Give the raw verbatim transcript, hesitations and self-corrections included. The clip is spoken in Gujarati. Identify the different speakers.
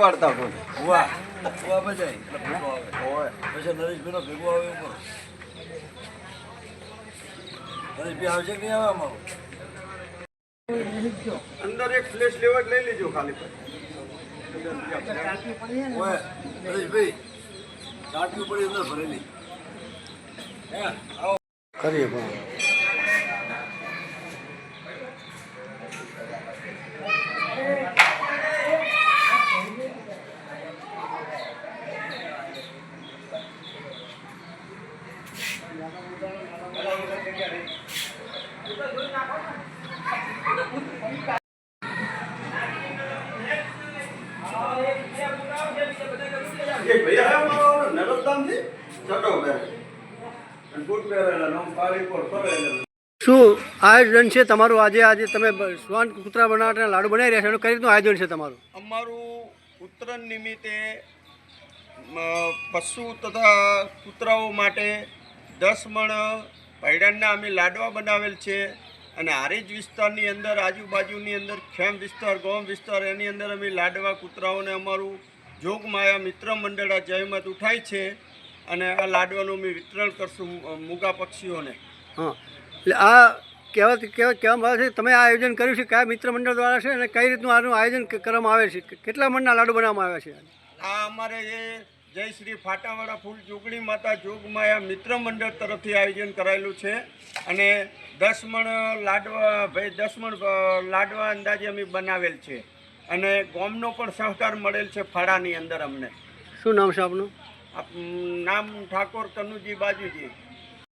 Speaker 1: ઉપાડતા કોઈ
Speaker 2: વાહ વાહ બજાય હોય પછી નરેશભાઈનો ભેગો આવે ઉપર નરેશભાઈ આવશે કે નહીં આવે અમારું
Speaker 1: અંદર એક ફ્લેશ લેવર લઈ લેજો ખાલી
Speaker 2: હોય નરેશભાઈ ચાટકી પડી અંદર ભરેલી હે આવો
Speaker 3: કરીએ પણ શું આયોજન છે તમારું આજે આજે તમે શ્વાન કૂતરા બનાવવાના લાડુ બનાવી રહ્યા છો એનું કઈ રીતનું આયોજન છે તમારું?
Speaker 1: અમારું ઉત્તરાયણ નિમિત્તે અ, પશુ તથા કૂતરાઓ માટે દસ મણ પૈડાના અમે લાડવા બનાવેલ છે અને હારીજ વિસ્તારની અંદર આજુબાજુની અંદર ખેમ વિસ્તાર ગોમ વિસ્તાર એની અંદર અમે લાડવા કૂતરાઓને અમારું જોગમાયા મિત્ર મંડળ આ જહેમત ઉઠાય છે અને આ લાડવાનું અમે વિતરણ કરશું મૂગા પક્ષીઓને.
Speaker 3: હા એટલે આ કહેવા કહેવા કહેવામાં આવે છે તમે આ આયોજન કર્યું છે કયા મિત્ર મંડળ દ્વારા છે અને કઈ રીતનું આનું આયોજન કરવામાં આવે છે? કેટલા મણના લાડુ બનાવવામાં આવ્યા છે?
Speaker 1: આ અમારે જે જય શ્રી ફાટાવાળા ફૂલ જોગણી માતા જોગમાયા મિત્ર મંડળ તરફથી આયોજન કરાયેલું છે અને દસ મણ લાડવા ભાઈ દસ મણ લાડવા અંદાજે અમે બનાવેલ છે અને ગોમનો પણ સહકાર મળેલ છે ફાળાની અંદર અમને.
Speaker 3: શું નામ છે આપનું?
Speaker 1: આપ નામ ઠાકોર કનુજી બાજુજી.